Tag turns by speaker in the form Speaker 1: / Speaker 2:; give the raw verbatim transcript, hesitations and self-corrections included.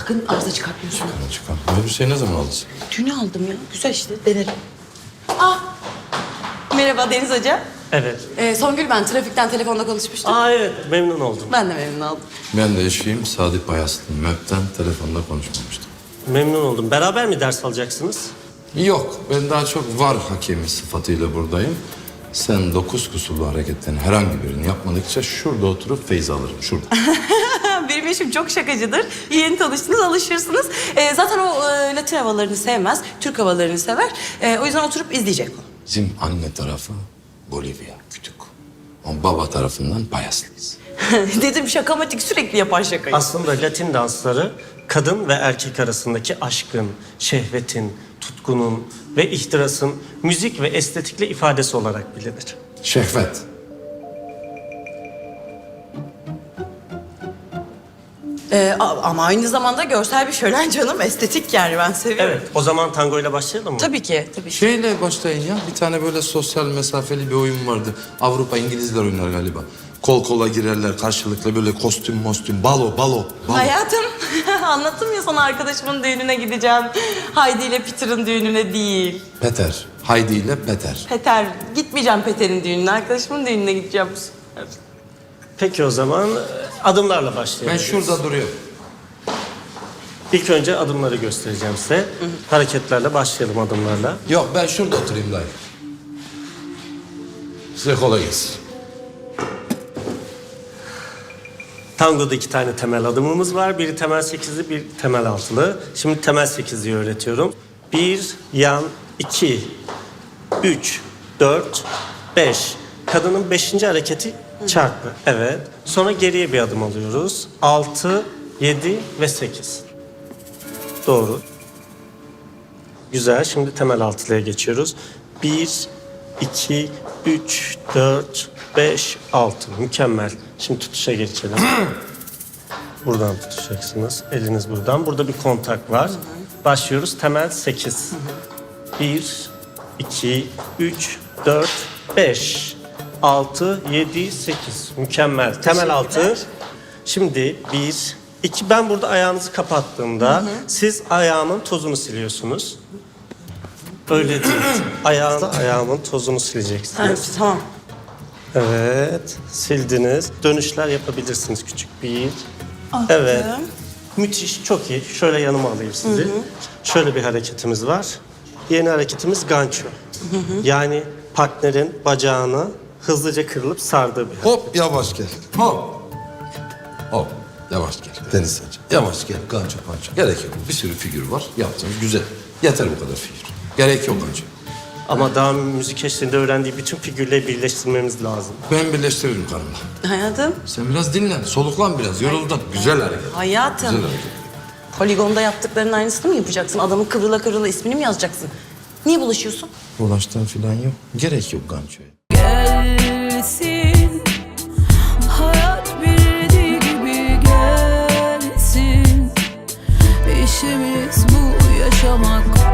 Speaker 1: sakın arıza çıkartmıyorsun.
Speaker 2: Çıkar çıkar. Bu elbiseyi ne zaman aldın?
Speaker 1: Dün aldım ya. Güzel işte, denerim. Ah! Merhaba Deniz Hoca.
Speaker 3: Evet.
Speaker 1: Ee, Songül ben. Trafikten telefonda konuşmuştuk.
Speaker 3: Aa evet, memnun oldum.
Speaker 1: Ben de memnun oldum.
Speaker 2: Ben de eşiyim Sadi Bayaslı. M E P'ten telefonda konuşmamıştım.
Speaker 3: Memnun oldum. Beraber mi ders alacaksınız?
Speaker 2: Yok, ben daha çok var hakemi sıfatıyla buradayım. Sen dokuz kusurlu hareketten herhangi birini yapmadıkça şurada oturup feyz alırım, şurada.
Speaker 1: Benim eşim çok şakacıdır. Yeni tanıştınız, alışırsınız. Ee, zaten o e, Latin havalarını sevmez, Türk havalarını sever. Ee, o yüzden oturup izleyecek o.
Speaker 2: Bizim anne tarafı Bolivya, kütük. Ama baba tarafından Bayaslıyız.
Speaker 1: Dedim şakamatik, sürekli yapan şakayı.
Speaker 3: Aslında Latin dansları kadın ve erkek arasındaki aşkın, şehvetin, tutkunun ve ihtirasın müzik ve estetikle ifadesi olarak bilinir.
Speaker 2: Şehvet.
Speaker 1: Ee, a- ama aynı zamanda görsel bir şölen canım, estetik yani, ben seviyorum.
Speaker 3: Evet, o zaman tango ile başlayalım mı?
Speaker 1: Tabii ki, tabii ki.
Speaker 2: Şeyle başlayın ya, bir tane böyle sosyal mesafeli bir oyun vardı. Avrupa İngilizler oynar galiba. Kol kola girerler karşılıklı böyle kostüm mostüm, balo, balo, balo.
Speaker 1: Hayatım, anlattım ya sana, arkadaşımın düğününe gideceğim. Haydi ile Peter'ın düğününe değil.
Speaker 2: Peter, Haydi ile Peter.
Speaker 1: Peter, gitmeyeceğim Peter'in düğününe, arkadaşımın düğününe gideceğim bu sefer.
Speaker 3: Peki o zaman adımlarla
Speaker 2: Ben
Speaker 3: başlayalım.
Speaker 2: şurada duruyorum.
Speaker 3: İlk önce adımları göstereceğim size. Hareketlerle başlayalım adımlarla.
Speaker 2: Yok, ben şurada oturayım dayı. Size kolay gelsin.
Speaker 3: Tango'da iki tane temel adımımız var. Biri temel sekizli, bir temel altılı. Şimdi temel sekizliyi öğretiyorum. Bir, yan, iki, üç, dört, beş. Kadının beşinci hareketi çarpı. Evet. Sonra geriye bir adım alıyoruz. Altı, yedi ve sekiz. Doğru. Güzel. Şimdi temel altılıya geçiyoruz. Bir, iki, üç, dört, beş, altı. Mükemmel. Şimdi tutuşa geçelim. Buradan tutacaksınız. Eliniz buradan. Burada bir kontak var. Başlıyoruz. Temel sekiz. Bir, iki, üç, dört, beş, altı, yedi, sekiz. Mükemmel. Temel altı. Şimdi bir, iki. Ben burada ayağınızı kapattığımda siz ayağımın tozunu siliyorsunuz. Öyle değil. Ayağın, ayağımın tozunu sileceksiniz.
Speaker 1: Evet, tamam.
Speaker 3: Evet, sildiniz. Dönüşler yapabilirsiniz küçük. Bir,
Speaker 1: Attım.
Speaker 3: evet. Müthiş, çok iyi. Şöyle yanıma alayım sizi. Hı hı. Şöyle bir hareketimiz var. Yeni hareketimiz gancho. Hı hı. Yani partnerin bacağını hızlıca kırılıp sardığı bir hareket.
Speaker 2: Hop, yavaş gel. Hop. Hop, yavaş gel. Deniz Sancı. Yavaş gel, gancho panço. Gerek yok. Bir sürü figür var. Yaptınız, güzel. Yeter bu kadar figür. Gerek yok gancho.
Speaker 3: Ama daha müzik eşliğinde öğrendiği bütün figürleri birleştirmemiz lazım.
Speaker 2: Ben birleştiririm karımla.
Speaker 1: Hayatım.
Speaker 2: Sen biraz dinlen, soluklan biraz, yoruldun. Güzel hareket.
Speaker 1: Hayatım.
Speaker 2: Güzel hareket.
Speaker 1: Poligonda yaptıklarının aynısını mı yapacaksın? Adamın kıvrıla kıvrıla ismini mi yazacaksın? Niye bulaşıyorsun?
Speaker 2: Ulaştan falan yok. Gerek yok gançoya.
Speaker 4: Gelsin, hayat bildiği gibi gelsin. İşimiz bu, yaşamak.